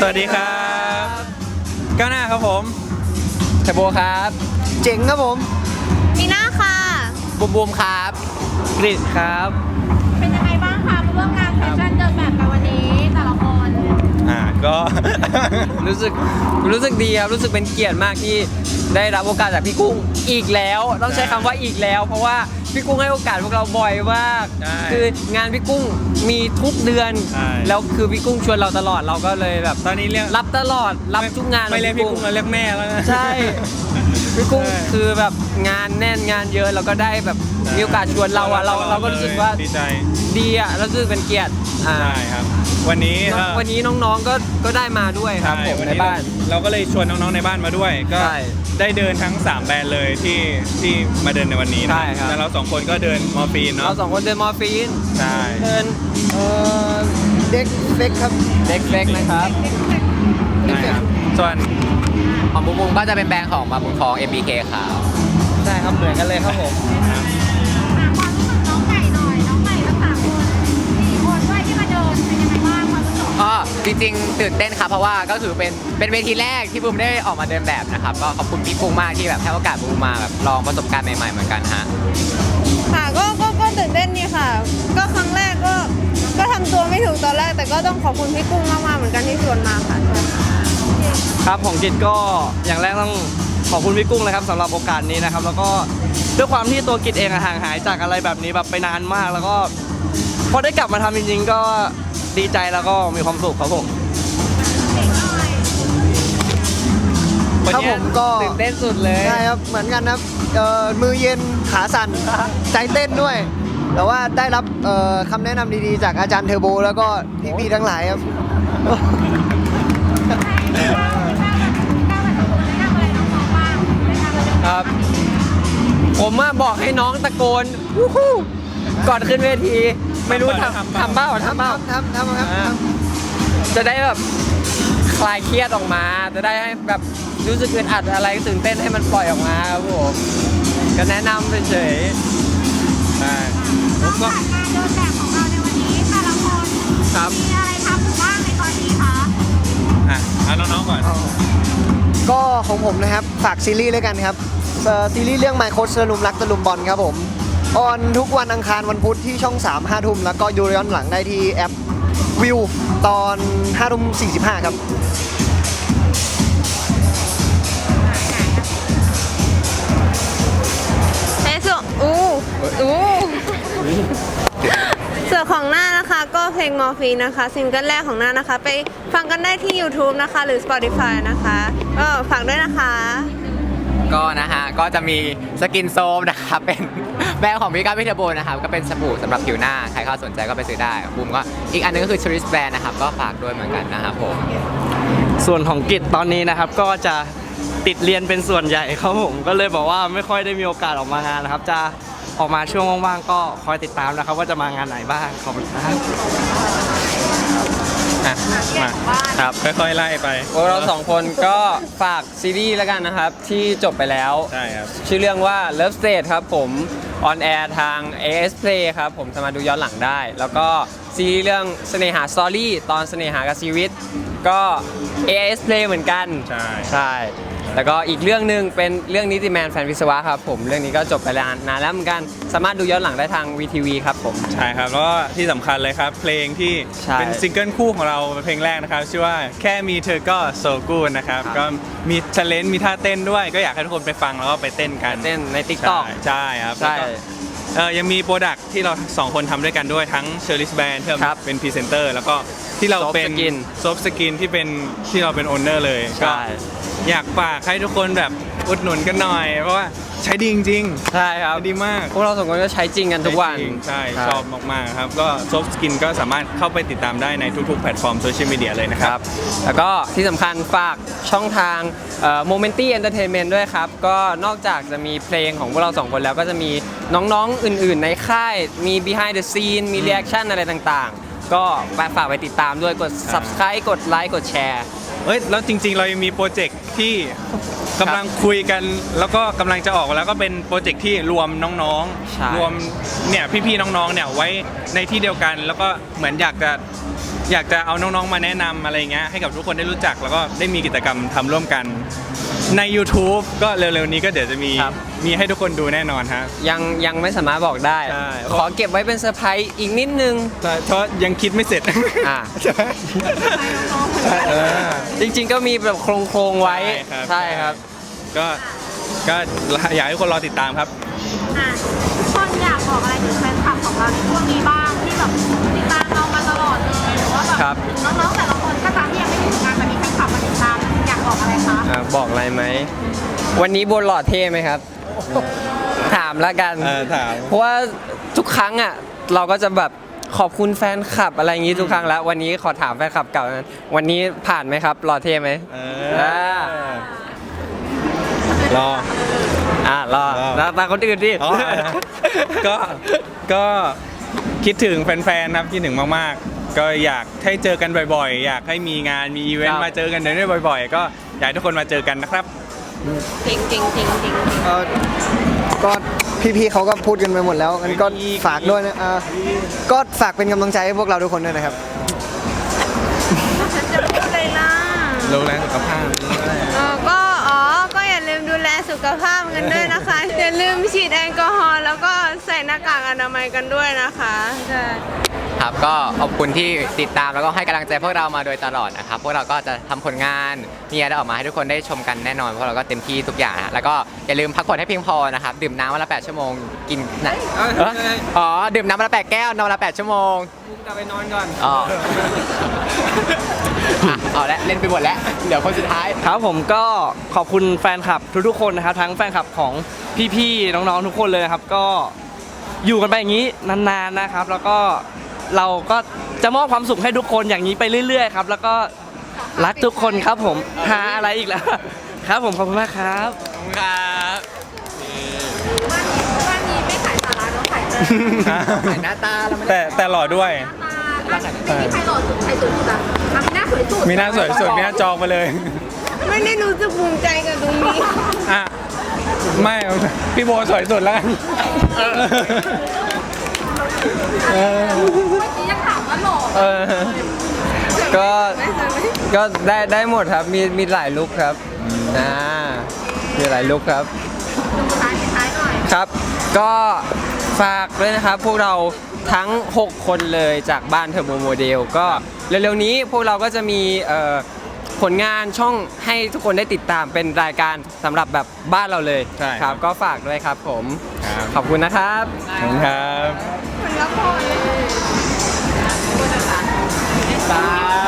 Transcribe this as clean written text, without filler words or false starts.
วัสดีครับก้าวหน้าครับผมเทโบครับเจ๋งครับผมมีหน้าค่ะบูมครับกริดครับเป็นยังไงบ้างคะมาร่วมงานแฟชั่นเดินแบบกันวันนี้แต่ละคนก็รู้สึกดีครับรู้สึกเป็นเกียรติมากที่ได้รับโอกาสจากพี่กุ้งอีกแล้วต้องใช้คำว่าอีกแล้วเพราะว่าพี่กุ้งให้โอกาสพวกเราบ่อยมากคืองานพี่กุ้งมีทุกเดือนแล้วคือพี่กุ้งชวนเราตลอดเราก็เลยแบบตอนนี้เรียกรับตลอดรับทุกงานไม่เรียกพี่กุ้งเราเรียกแม่แล้วนะใช่พี่กุ้งคือแบบงานแน่นงานเยอะเราก็ได้แบบมีโอกาสชวนเราอ่ะเราก็รู้สึกว่าดีใจดีอ่ะรู้สึกเป็นเกียรติใช่ครับวันนี้น้องๆก็ได้มาด้วยครับผมในบ้านเราก็เลยชวนน้องๆในบ้านมาด้วยก็ได้เดินทั้ง3แบรนด์เลยที่มาเดินในวันนี้นะแล้วเรา2คนก็เดินมอร์ฟีนเนาะเรา2คนเดินมอร์ฟีนใช่เดินเด็กเฟกครับเด็กเฟกนะครับส่วนของบุ้งก็จะเป็นแบรนด์ของมาบุญคอง MBK ครับใช่ครับเหมือนกันเลยครับผมความรู้สึกน้องใหม่หน่อยน้องใหม่ทั้ง3 คน4 คนด้วยที่มาเดินเป็นยังไงบ้างความรู้สึกจริงๆตื่นเต้นครับเพราะว่าก็ถือเป็นเวทีแรกที่บูมได้ออกมาเดินแบบนะครับก็ขอบคุณพี่กุ้งมากที่แบบให้โอกาสบูมมาแบบลองประสบการณ์ใหม่ๆเหมือนกันฮะค่ะก็ตื่นเต้นนี่ค่ะก็ครั้งแรกก็ทำตัวไม่ถูกตอนแรกแต่ก็ต้องขอบคุณพี่กุ้งมากๆเหมือนกันที่ชวนมาค่ะครับของกิจก็อย่างแรกต้องขอบคุณพี่กุ้งเลยครับสำหรับโอกาสนี้นะครับแล้วก็ด้วยความที่ตัวกิจเองห่างหายจากอะไรแบบนี้แบบไปนานมากแล้วก็พอได้กลับมาทำจริงๆก็ดีใจแล้วก็มีความสุขครับผมครับผมก็ตื่นเต้นสุดเลยใช่ครับเหมือนกันครับมือเย็นขาสั่นใจเต้นด้วยแต่ว่าได้รับคำแนะนำดีๆจากอาจารย์เทอร์โบแล้วก็พี่ๆทั้งหลายครับครับผมบอกให้น้องตะโกนวู้ฮู้ก่อนขึ้นเวทีไม่รู้ทำเบ้าครับจะได้แบบคลายเครียดออกมาจะได้ให้แบบรู้สึกอึดอัดอะไรตื่นเต้นให้มันปล่อยออกมาครับผมก็แนะนำเฉยๆใช่ผมก็การเดินแบบของเราในวันนี้แต่ละคนมีอะไรทำบ้างในตอนนี้คะเอาน้องๆก่อนก็ของผมนะครับฝากซีรีส์เลยกันครับซีรีส์เรื่อง My Coach ตะลุมรักตะลุมบอลครับผมออนทุกวันอังคารวันพุธที่ช่อง 3 5 ทุ่มแล้วก็ดูย้อนหลังได้ที่แอปวิวตอน5 ทุ่ม 45ครับส่วนของหน้านะคะก็เพลงมอร์ฟีนนะคะซิงเกิลแรกของหน้านะคะไปฟังกันได้ที่ YouTube นะคะหรือ Spotify นะคะก็ฝากด้วยนะคะก็นะฮะก็จะมีสกินโซมนะครับเป็นแบรนด์ของพี่ก้าวพี่เทอร์โบนะครับก็เป็นสบู่สำหรับผิวหน้าใครเข้าสนใจก็ไปซื้อได้บูมก็อีกอันนึงก็คือชริสแบรนด์นะครับก็ฝากด้วยเหมือนกันนะครับผมส่วนของกิจตอนนี้นะครับก็จะติดเรียนเป็นส่วนใหญ่ครับผมก็เลยบอกว่าไม่ค่อยได้มีโอกาสออกมางานนะครับจะออกมาช่วงว่างๆก็คอยติดตามนะครับว่าจะมางานไหนบ้างขอบคุณครับมาครับค่อยๆไล่ไปพวกเรา2 คนก็ฝากซีรีส์แล้วกันนะครับที่จบไปแล้วใช่ครับชื่อเรื่องว่า Love Stage ครับผมออนแอร์ทาง AS Play ครับผมสามารถดูย้อนหลังได้แล้วก็ซีรีส์เรื่องเสน่หาสตอรี่ตอนเสน่หากับชีวิตก็ AS Play เหมือนกันใช่แล้วก็อีกเรื่องนึงเป็นเรื่องนิติแมนแฟนวิศวะครับผมเรื่องนี้ก็จบไปนานแล้วเหมือนกันสามารถดูย้อนหลังได้ทาง VTV ครับผมใช่ครับแล้วก็ที่สำคัญเลยครับเพลงที่เป็นซิงเกิลคู่ของเราเพลงแรกนะครับชื่อว่าแค่มีเธอก็โซกูดนะครับก็มีเทเลนต์มีท่าเต้นด้วยก็อยากให้ทุกคนไปฟังแล้วก็ไปเต้นกันเต้นใน TikTok ใช่ครับใช่ยังมีโปรดักที่เรา2 คนทำด้วยกันด้วยทั้งเชอร์ลิสแบรนด์ที่เป็นพรีเซนเตอร์แล้วก็ที่เราเป็นซอฟต์สกินที่เราเป็นโอนเนอร์เลยก็อยากฝากให้ทุกคนแบบอุดหนุนกันหน่อยเพราะว่าใช้ดีจริงใช่ครับดีมากพวกเรา2 คนก็ใช้จริงกันทุกวันใช่ชอบมากๆครับก็ซอฟต์สกินก็สามารถเข้าไปติดตามได้ในทุกๆแพลตฟอร์มโซเชียลมีเดียเลยนะครับแล้วก็ที่สำคัญฝากช่องทางMomenti Entertainment ด้วยครับก็นอกจากจะมีเพลงของพวกเรา2 คนแล้วก็จะมีน้องๆอื่นๆในค่ายมี behind the scene มี reaction อะไรต่างๆก็ฝากไปติดตามด้วยกด subscribe กดไลค์กดแชร์แล้วจริงๆเรายังมีโปรเจกต์ที่กำลังคุยกันแล้วก็กำลังจะออกแล้วก็เป็นโปรเจกต์ที่รวมน้องๆรวมเนี่ยพี่ๆน้องๆเนี่ยไว้ในที่เดียวกันแล้วก็เหมือนอยากจะอยากจะเอาน้องๆมาแนะนำอะไรเงี้ยให้กับทุกคนได้รู้จักแล้วก็ได้มีกิจกรรมทำร่วมกันใน YouTube ก็เร็วๆนี้ก็เดี๋ยวจะมีให้ทุกคนดูแน่นอนฮะยังไม่สามารถบอกได้ใช่ขอเก็บไว้เป็นเซอร์ไพรส์อีกนิดนึงเพราะยังคิดไม่เสร็จอ่าใช่ไหมเออจริงๆก็มีแบบโครงๆไว้ใช่ครับก็อยากให้ทุกคนรอติดตามครับอ่ะคนอยากบอกอะไรถึงแฟนคลับของเราในช่วงนี้บ้างที่แบบติดตามเรามาตลอดเลยหรือว่าแบบครับน้องๆแต่ละคนก็ตามที่ยังไม่มีผลงานแต่มีแฟนคลับมาติดตามอยากบอกอะไรคะบอกอะไรไหม วันนี้บนหล่อเท่ไหมครับ ถามแล้วกันถามเพราะว่าทุกครั้งอ่ะเราก็จะแบบขอบคุณแฟนคลับอะไรอย่างงี้ทุกครั้งแล้ว วันนี้ขอถามแฟนคลับเก่านั้นวันนี้ผ่านไหมครับหล่อเท่ไหมรอรอแล้วตาคนอื่นดิอ๋อ ก็คิดถึงแฟนๆครับคิดถึงมากๆ ก็อยากให้เจอกันบ่อยๆ อยากให้มีงานมีอีเวนครัต์บมาเจอกันได้บ่อยๆ ก็อยากให้ทุกคนมาเจอกันนะครับจริงจริงจริงจริงก็พี่ๆเขาก็พูดกันไปหมดแล้วงั้นก็ฝากด้วยนะก็ฝากเป็นกำลังใจให้พวกเราทุกคนด้วยนะครับฉันจะพูดเลยล่ะโรงแรมสุขภาพก็อย่าลืมดูแลสุขภาพกันด้วยนะคะ อย่าลืมฉีดแอลกอฮอล์แล้วก็ใส่หน้ากากอนามัยกันด้วยนะคะใช่ครับก็ขอบคุณที่ติดตามแล้วก็ให้กำลังใจพวกเรามาโดยตลอดนะครับพวกเราก็จะทำผลงานมีอะไรออกมาให้ทุกคนได้ชมกันแน่นอนพวกเราก็เต็มที่ทุกอย่างนะแล้วก็อย่าลืมพักผ่อนให้เพียงพอนะครับดื่มน้ำวันละ8 ชั่วโมงกินนะอ๋อดื่มน้ำวันละ8 แก้วนอนวันละ8 ชั่วโมงกลับไปนอนก่อนอ๋อเอาละเล่นไปหมดแล้วเดี๋ยวคนสุดท้ายครับผมก็ขอบคุณแฟนคลับทุกๆคนนะครับทั้งแฟนคลับของพี่ๆน้องๆทุกคนเลยนะครับก็อยู่กันไปอย่างนี้นานๆนะครับ แล้วก็เราก็จะมอบความสุขให้ทุกคนอย่างนี้ไปเรื่อยๆครับแล้วก็รักทุกคนครับผมหาอะไรอีกแล้วครับผมขอบคุณมากครับครับบ้านนี้ไม่ขายสาระเนาะขายแต่ถ่ายหน้าตาเราไม่ได้แต่หล่อด้วยไม่มีใครหล่อสุดใครสวยสุดอ่ะมีหน้าสวยสุดมีหน้าสวยสุดมีหน้าจองไปเลยไม่ได้รู้สึกภูมิใจกับตรงนี้อ่ะไม่พี่โบสวยสุดแล้วกันเมื่อกี้ยังถามว่าหล่อก็ได้หมดครับมีหลายลุคครับมีหลายลุคครับดูท้ายหน่อยครับ ก็ฝากด้วยนะครับพวกเราทั้ง 6 คนเลยจากบ้านเทอร์โบโมเดลก็เร็วๆนี้พวกเราก็จะมีผลงานช่องให้ทุกคนได้ติดตามเป็นรายการสำหรับแบบบ้านเราเลยใช่ครับก็ฝากด้วยครับผมครับขอบคุณนะครับขอบคุณครับเหมือนละครเลยบาย